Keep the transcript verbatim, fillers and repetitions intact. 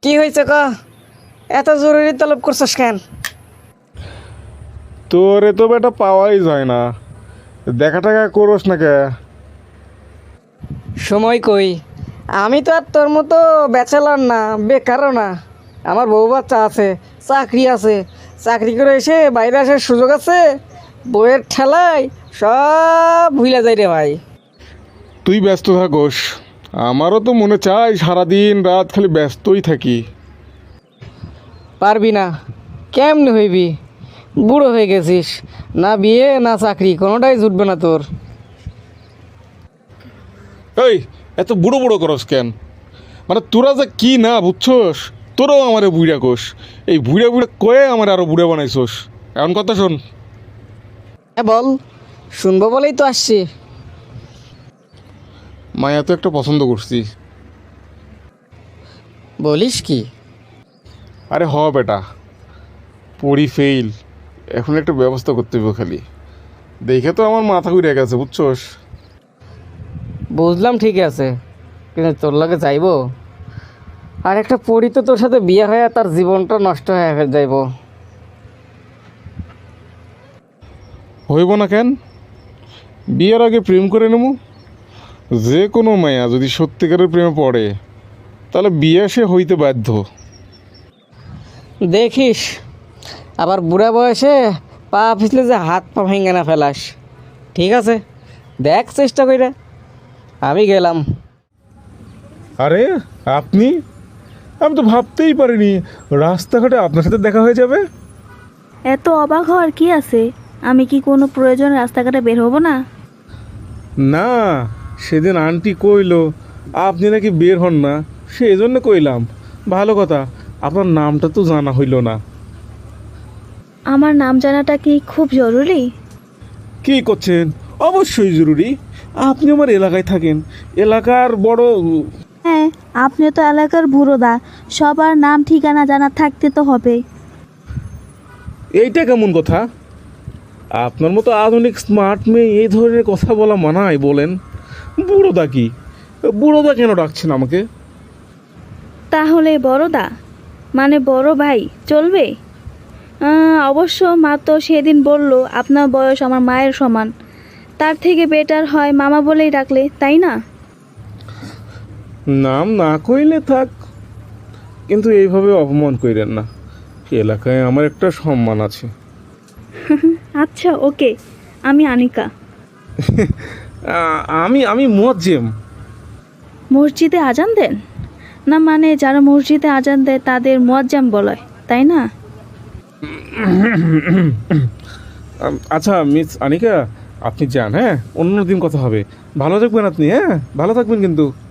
কি হয়েছে ক? এত জরুরি তলব করছস কেন? তোরে তো বেটা পাওয়াই যায় না, দেখা টাকা করস না কে? সময় কই, আমি তো আর তোর মতো ব্যাচেলার না, বেকারও না। আমার বউ বাচ্চা আছে, চাকরি আছে। চাকরি করে এসে বাইরে আসার সুযোগ আছে, বইয়ের ঠেলায় সব ভুলে যাই রে ভাই। তুই ব্যস্ত থাকোস, আমারও তো মনে চায় সারাদিন রাত খালি ব্যস্তই থাকি। পারবি না, কেমনে হইবি? বুড়ো হয়ে গেছিস, না বিয়ে না চাকরি, কোনোটাই জুটবে না তোর। এই এত বুড়ো বুড়ো করস কেন? মানে তোরা যে কি না বুঝছস, তোরাও আমারে বুড়া কোস। এই বুড়া বুড়া কয়ে আমার আরো বুড়া বানাইছস। এমন কথা শোন, হ্যাঁ বল, শুনবো বলেই তো আসছি। মায়া তো একটা পছন্দ করছি। বলিস কি? আরে হ বেটা, পড়ি ফেইল, এখন একটা ব্যবস্থা করতে হবে খালি। দেখে তো আমার মাথা ঘুরে গেছে বুঝছস। বুঝলাম ঠিক আছে, কিন্তু তোর লাগে যাইবো? আর একটা পরি তো তোর সাথে বিয়ে হয়ে তার জীবনটা নষ্ট হয়ে ফেল যাইব। হইব না কেন? বিয়ের আগে প্রেম করে নেব। যে কোনো মায়া যদি সত্যিকারের প্রেমে পড়ে, তাহলে বিয়ে সে হইতে বাধ্য। দেখিস, আবার বুড়া বয়সে পা পিছলে যে হাত পা ভেঙে না ফেলাস। ঠিক আছে, দেখ চেষ্টা কইরা। আমি গেলাম। আরে আপনি, আমি তো ভাবতেই পারিনি রাস্তাঘাটে আপনার সাথে দেখা হয়ে যাবে। এত অবাক হওয়ার কি আছে? আমি কি কোনো প্রয়োজন রাস্তাঘাটে বের হব না? না, সেদিন আন্টি কইলো আপনি নাকি বের হন না, সেই জন্য কইলাম। ভালো কথা, আপনার নামটা তো জানা হইল না। আমার নাম জানাটা কি খুব জরুরি? কি করছেন? অবশ্যই জরুরি। আপনি আমার এলাকায় থাকেন, এলাকার বড়। হ্যাঁ, আপনি তো এলাকার বুড়োদা, সবার নাম ঠিকানা জানা থাকতে তো হবে। এইটা কেমন কথা? আপনার মতো আধুনিক স্মার্ট মেয়ে এই ধরনের কথা বলা মানায় বলেন? বুড়োদা কি? বুড়োদা কেন ডাকছেন আমাকে? তাহলে বড়দা মানে বড় ভাই চলবে? আহ, অবশ্য মা তো সেদিন বলল আপনার বয়স আমার মায়ের সমান, তার থেকে বেটার হয় মামা বলেই ডাকলে, তাই না? নাম না কইলে থাক, কিন্তু এইভাবে অপমান কইরেন না। এলাকায় আমার একটা সম্মান আছে। আচ্ছা ওকে, আমি আনিকা। আ- আমি আমি মুয়াজ্জেম। মসজিদে আজান দেন? না মানে যারা মসজিদে আজান দেয় তাদের মুয়াজ্জাম বলায়, তাই না? আম, আচ্ছা মিস আনিকা, আপনি যান, হ্যাঁ? অন্য দিন কথা হবে। ভালো থাকবেন আপনি, হ্যাঁ? ভালো থাকবেন কিন্তু।